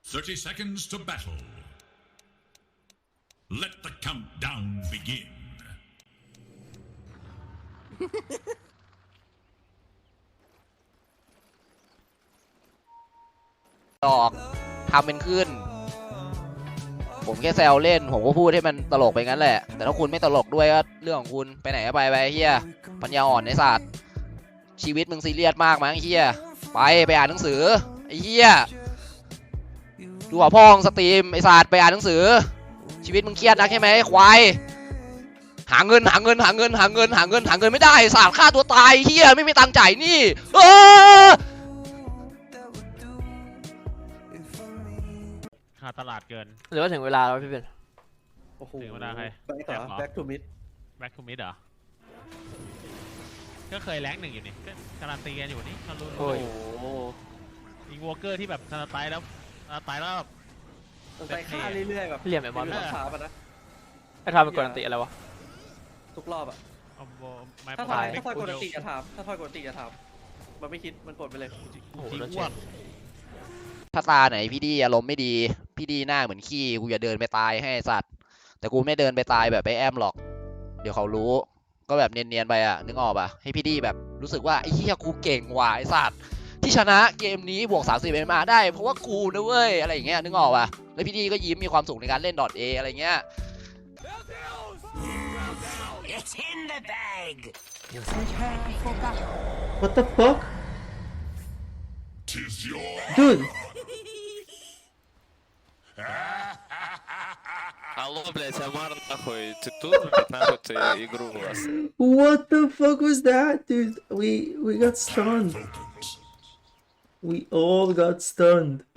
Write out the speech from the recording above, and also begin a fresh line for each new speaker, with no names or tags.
30 seconds to battle. Let the countdown begin.
ดอกทำเป็นขึ้นผมแค่แซวเล่นผมก็พูดให้มันตลกไปงั้นแหละแต่ถ้าคุณไม่ตลกด้วยก็เรื่องของคุณไปไหนก็ไปเฮียปัญญาอ่อนในศาสตร์ชีวิตมึงซีเรียสมากมั้งเฮียไปอ่านหนังสือไอ้เฮียดูหัวพ่องสตรีมไอ้ศาสตร์ไปอ่านหนังสือชีวิตมึงเครียดนักใช่ไหมควายหาเงินไม่ได้ศาสตร์ฆ่าตัวตายเฮียไม่มีตังค์จ่ายนี่
ขาดตลาดเกิน
หรือว่าถึงเวลาแล้วพี่เป็น
ถึงเวลาใคร
back to mid
back to mid เหรอก็เคยแรงหนึ่งอยู่นี่ก็การันตีกันอยู่นี่เขารู้อีวอเกอร์ที่แบบสไตล์แล้ว
ไปฆ่าเรื่อยๆแบบ
เหลี่ยมไอ้บอล
ช้าปะนะ
ไอ้ทำเป็นกวนตีอะไรวะ
ทุกรอบอะถ้าทอยกดติจะถามมันไม่คิดมันกดไปเลย
ถ้าตาไหนพี่ดีอารมณ์ไม่ดีพี่ดีหน้าเหมือนขี้กูอย่าเดินไปตายให้สัตว์แต่กูไม่เดินไปตายแบบไปแอมหรอกเดี๋ยวเขารู้ก็แบบเนียนๆไปอ่ะนึกออกป่ะให้พี่ดีแบบรู้สึกว่าไอ้เหี้ยกูเก่งว่ะไอ้สัตว์ที่ชนะเกมนี้บวก30 MMA ได้เพราะว่ากูนะเว้ยอะไรอย่างเงี้ยนึกออกป่ะแล้วพี่ดีก็ยิ้มมีความสุขในการเล่น .A อะไรเงี้ย
What the fuck? Dude!
Алло, блять, Амар, нахуй, ты тут, блять, нахуй ты игру у вас?
What the fuck was that, dude? We got stunned. We all got stunned.